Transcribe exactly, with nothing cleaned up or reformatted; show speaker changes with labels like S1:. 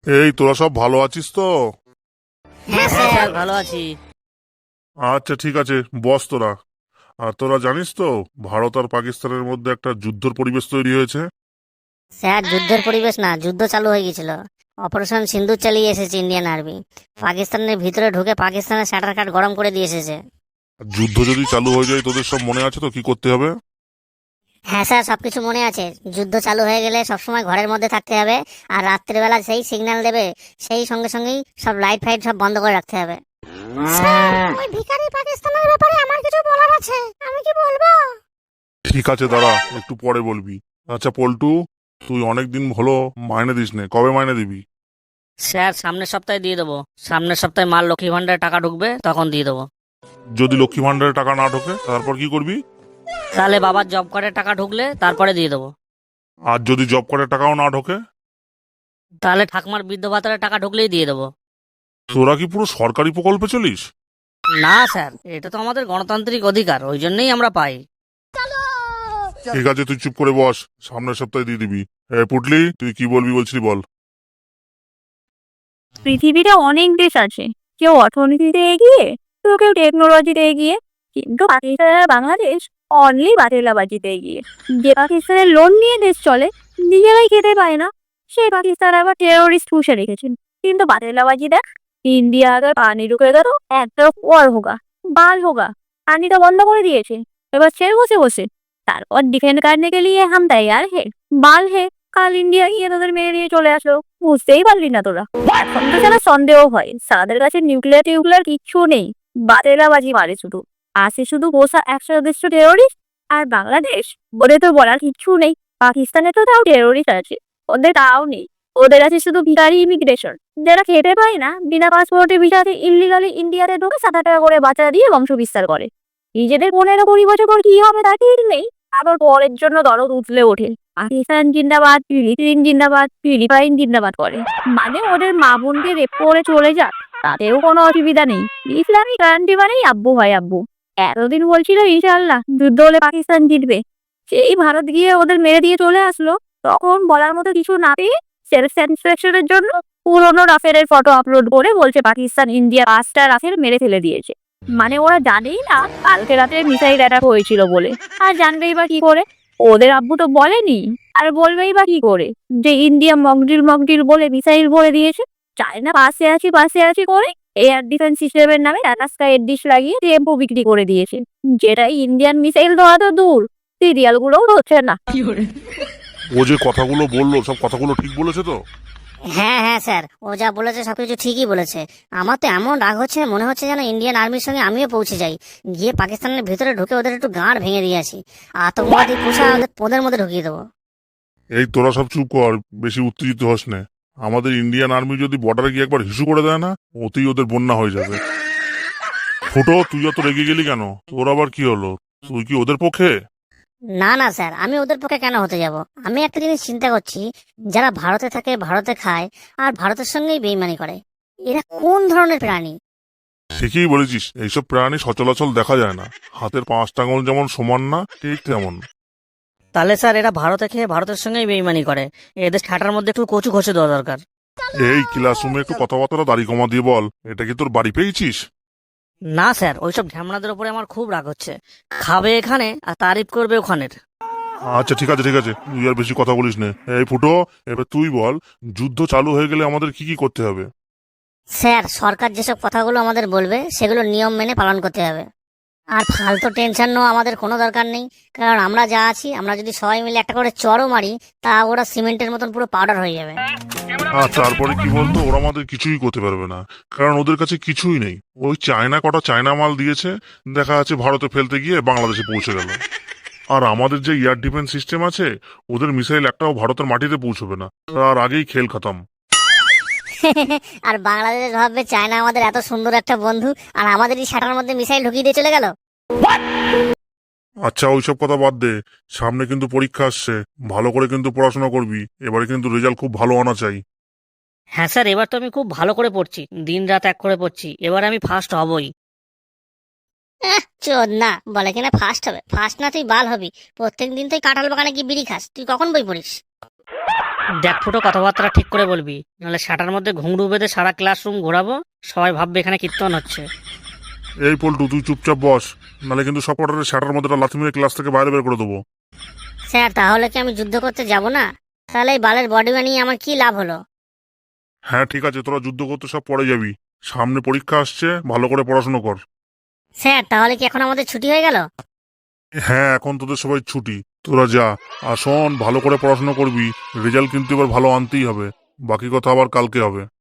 S1: এই তোরা সব ভালো আছিস তো?
S2: হ্যাঁ স্যার, ভালো আছি।
S1: আচ্ছা ঠিক আছে, বস তোরা। আর তোরা জানিস তো ভারত আর পাকিস্তানের মধ্যে একটা যুদ্ধর পরিবেশ তৈরি হয়েছে।
S2: স্যার, যুদ্ধের পরিবেশ না, যুদ্ধ চালু হয়ে গেছিল। অপারেশন সিন্দুর চালিয়ে এসেছে ইন্ডিয়ান আর্মি। পাকিস্তানের ভিতরে ঢুকে পাকিস্তানের শাটার কাট গরম করে দিয়ে এসেছে।
S1: আর যুদ্ধ যদি চালু হয়ে যায় তোদের সব মনে আছে তো কি করতে হবে?
S2: হ্যাঁ স্যার, সবকিছু মনে আছে। যুদ্ধ চালু হয়ে গেলে সবসময় ঘরের মধ্যে থাকতে হবে। আর রাত্রিবেলা সেই সিগন্যাল দেবে, সেই সঙ্গে সঙ্গেই সব লাইট ফাইট সব বন্ধ করে রাখতে হবে। স্যার, ওই ভিখারি পাকিস্তানের ব্যাপারে আমার কিছু বলার আছে, আমি কি বলবো?
S1: ঠিক আছে দাঁড়া, একটু পরে বলবি। আচ্ছা পল্টু, তুই অনেক দিন হলো মাইনে দিস নে, কবে মাইনে দিবি?
S3: স্যার, সামনের সপ্তাহে দিয়ে দেবো। সামনের সপ্তাহে মাল লক্ষ্মী ভান্ডারে টাকা ঢুকবে, তখন দিয়ে দেবো।
S1: যদি লক্ষ্মী ভান্ডারে টাকা না ঢোকে তারপর কি করবি?
S3: তাহলে বাবার জব কার্ডের টাকা ঢুকলে তারপরে দিয়ে দেবো।
S1: আর যদি জব কার্ডের টাকাও না ঢোকে?
S3: তাহলে ঠাকুমার বৃদ্ধ ভাতারের টাকা ঢুকলেই দিয়ে দেবো।
S1: তোরা কি পুরো সরকারি প্রকল্পে চলিস?
S3: না স্যার, এটা তো আমাদের গণতান্ত্রিক অধিকার, ওই জন্যই আমরা পাই।
S1: ঠিক আছে তুই চুপ করে বস, সামনের সপ্তাহে দিয়ে দিবি। এ পুটলি, তুই কি বলবি বলছিলি বল।
S4: পৃথিবীতে অনেক দেশ আছে, কেউ অর্থনীতিতে এগিয়ে, তো কেউ টেকনোলজিতে এগিয়ে, কিন্তু পাকিস্তান আর বাংলাদেশ অনলি বাতিলাবাজিতে এগিয়ে। যে পাকিস্তানের লোন নিয়ে দেশ চলে, নিজেরাই খেতে পায় না, সেই পাকিস্তান আবার টেরোরিস্ট পুষে রেখেছেন। কিন্তু বাতিলাবাজি দেখ, इंडिया अगर पानी रुकेगा तो एक तरफ और होगा, बाल होगा। पानी तो बंद করে দিয়েছে, এবার ছেড়ে বসে বসে। তারপর ডিফেন্ড करने के लिए हम तैयार है, बाल है। কাল ইন্ডিয়া গিয়ে তোদের মেরে দিয়ে চলে আসলো, বুঝতেই পারলি না তোরা। এখন তো যেন সন্দেহ হয়, সাদের কাছে নিউক্লিয়ার টিউক্লিয়ার কিচ্ছু নেই, বাতেলাবাজি মারে শুধু। আসে শুধু বসা একশো সদস্য টেরোরিস্ট। আর বাংলাদেশ বলে তো বলার কিচ্ছু নেই, পাকিস্তানে তো তাও টেরোরিস্ট আছে, ওদের তাও নেই। ওদের আছে শুধু ভিখারি ইমিগ্রেশন, যারা খেতে পায় না, বিনা পাসপোর্টে ভিসাতে ইলিগালি ইন্ডিয়াতে ঢুকে সাত টাকা করে বাচ্চা দিয়ে বংশ বিস্তার করে। নিজেদের পনেরো কুড়ি বছর পর কি হবে তা ঠিক নেই, আবার পরের জন্য দরদ উঠলে ওঠে। পাকিস্তান জিন্দাবাদ, ফিলিপিন জিন্দাবাদ, ফিলিপাইন জিন্দাবাদ করে। মানে ওদের মা বোনকে রেপ করে চলে যাক, তাতেও কোনো অসুবিধা নেই। ইসলামিক কান্ট্রি মানেই আব্বু হয় আব্বু। এতদিন বলছিল ইনশাআল্লাহ যুদ্ধ হলে পাকিস্তান জিতবে, সেই ভারত গিয়ে ওদের মেরে দিয়ে চলে আসলো। তখন বলার মতো কিছু না পেয়ে সেলফ স্যাটিসফ্যাকশনের জন্য পুরোনো রাফেলের ফটো আপলোড করে বলছে পাকিস্তান ইন্ডিয়া পাঁচটা রাফেল মেরে ফেলে দিয়েছে। মানে ওরা জানেই না কালকে রাতে মিসাইল অ্যাটাক হয়েছিল বলে। আর জানবেই বা কি করে? ওদের আব্বু তো বলেনি, আর বলবেই বা কি করে যে ইন্ডিয়া মকডিল মকডিল বলে মিসাইল বলে দিয়েছে। চায়না পাশে আছি পাশে আছি করে এয়ার ডিফেন্স সিস্টেমের নামে টাটা স্কাই এর ডিশ লাগিয়ে টেম্পো বিক্রি করে দিয়েছে, যেটা ইন্ডিয়ান মিসাইল ধরা তো দূর, সিরিয়াল গুলোও হচ্ছে না।
S1: ও যে কথাগুলো বললো সব কথাগুলো ঠিক বলেছে তো?
S2: হ্যাঁ হ্যাঁ স্যার, ও যা বলেছে সবকিছু ঠিকই বলেছে। আমার তো এমন রাগ হচ্ছে, মনে হচ্ছে যেন ইন্ডিয়ান আর্মির সঙ্গে আমিও পৌঁছে যাই, গিয়ে পাকিস্তানের ভিতরে ঢুকে ওদের একটু গাঁড় ভেঙে দিয়ে আসি, আতঙ্কবাদী পুষা ওদের পোদের মধ্যে ঢুকিয়ে দেবো।
S1: এই তোরা সব চুপ কর, বেশি উত্তেজিত হস না। আমাদের ইন্ডিয়ান আর্মি যদি বর্ডারে গিয়ে একবার হিসু করে দেয় না, ওতেই ওদের বন্যা হয়ে যাবে। ফুটো, তুই এত রেগে গেলি কেন? তোর আবার কি হলো? তুই কি ওদের পক্ষে?
S2: না না স্যার, আমি ওদের পক্ষে কেন হতে যাব? আমি একটা জিনিস চিন্তা করছি, যারা ভারতে থাকে, ভারতে খায়, আর ভারতের সঙ্গেই বেইমানি করে, এরা কোন ধরনের প্রাণী?
S1: ঠিকই বলেছিস, এইসব প্রাণী সচলাচল দেখা যায় না। হাতের পাঁচটা আঙুল যেমন সমান না, ঠিক তেমন।
S3: তাহলে স্যার, এরা ভারতে খেয়ে ভারতের সঙ্গেই বেইমানি করে, এদের ঠাটার মধ্যে একটু কচু ঘষে দেওয়া দরকার।
S1: এই ক্লাসরুমে একটু কথাবার্তা দাড়ি কমা দিয়ে বল, এটা কি তোর বাড়ি পেয়েছিস?
S3: না স্যার, ওইসব ঢ্যামনাদের উপরে আমার খুব রাগ হচ্ছে। খাবে এখানে আর তারিফ করবে ওখানের।
S1: আচ্ছা ঠিক আছে ঠিক আছে, তুই আর বেশি কথা বলিস না। এই ফুটো, এবার তুই বল, যুদ্ধ চালু হয়ে গেলে আমাদের কি কি করতে হবে?
S2: স্যার, সরকার যেসব কথাগুলো আমাদের বলবে সেগুলো নিয়ম মেনে পালন করতে হবে। আর ফালতু টেনশন নেওয়া আমাদের কোনো দরকার নেই, কারণ আমরা যা আছি, আমরা যদি সবাই মিলে একটা করে চড়ও মারি, তা ওরা সিমেন্টের মতন পুরো পাউডার হয়ে যাবে।
S1: আর তারপরে কি বলতো, ওরা আমাদের কিছুই করতে পারবে না, কারণ ওদের কাছে কিছুই নেই। ওই চায়না কটা চায়না মাল দিয়েছে, দেখা যাচ্ছে ভারতে ফেলতে গিয়ে বাংলাদেশে পৌঁছে গেল। আর আমাদের যে এয়ার ডিফেন্স সিস্টেম আছে, ওদের মিসাইল একটাও ভারতের মাটিতে পৌঁছবে না, তার আগেই খেল খতম।
S2: আর বাংলাদেশ ভাববে চায়না আমাদের এত সুন্দর একটা বন্ধু, আর আমাদের এই শাটার মধ্যে মিসাইল ঢুকিয়ে দিয়ে চলে গেল।
S1: আচ্ছা ওইসব কথা বাদ দে, সামনে কিন্তু পরীক্ষা আসছে, ভালো করে কিন্তু পড়াশোনা করবি, এবারে কিন্তু রেজাল্ট খুব ভালো আনা চাই।
S3: হ্যাঁ স্যার, এবার তো আমি খুব ভালো করে পড়ছি, দিন রাত এক করে পড়ছি, এবার আমি ফার্স্ট হবই।
S2: চোদ না, বলে কিনা ফার্স্ট হবে। ফার্স্ট না, তুই বাল হবি। প্রত্যেক দিন তুই কাঁঠাল বাগানে গিয়ে বিড়ি খাস, তুই কখন বই পড়িস?
S3: দেখ ফুটো, কথাবার্তা ঠিক করে বলবি, নাহলে শাটার মধ্যে ঘুংরু বেঁধে সারা ক্লাসরুম ঘোরাবো, সবাই ভাববে এখানে কীর্তন হচ্ছে।
S1: এই পল্টু, তুই চুপচাপ বস, নাহলে কিন্তু সব কটারে শাটার মধ্যে একটা লাথি মেরে ক্লাস থেকে বাইরে বের করে দেবো।
S2: স্যার তাহলে কি আমি যুদ্ধ করতে যাব না? তাহলে এই বালের বডি বানিয়ে আমার কি লাভ হলো?
S1: হ্যাঁ ঠিক আছে, তোরা যুদ্ধ করতে সব পরে যাবি, সামনে পরীক্ষা আসছে, ভালো করে পড়াশোনা কর।
S2: স্যার তাহলে কি এখন আমাদের ছুটি হয়ে গেল?
S1: হ্যাঁ এখন তোদের সবাই ছুটি, তোরা যা। আর শোন, ভালো করে পড়াশোনা করবি, রেজাল্ট কিন্তু এবার ভালো আনতেই হবে, বাকি কথা আবার কালকে হবে।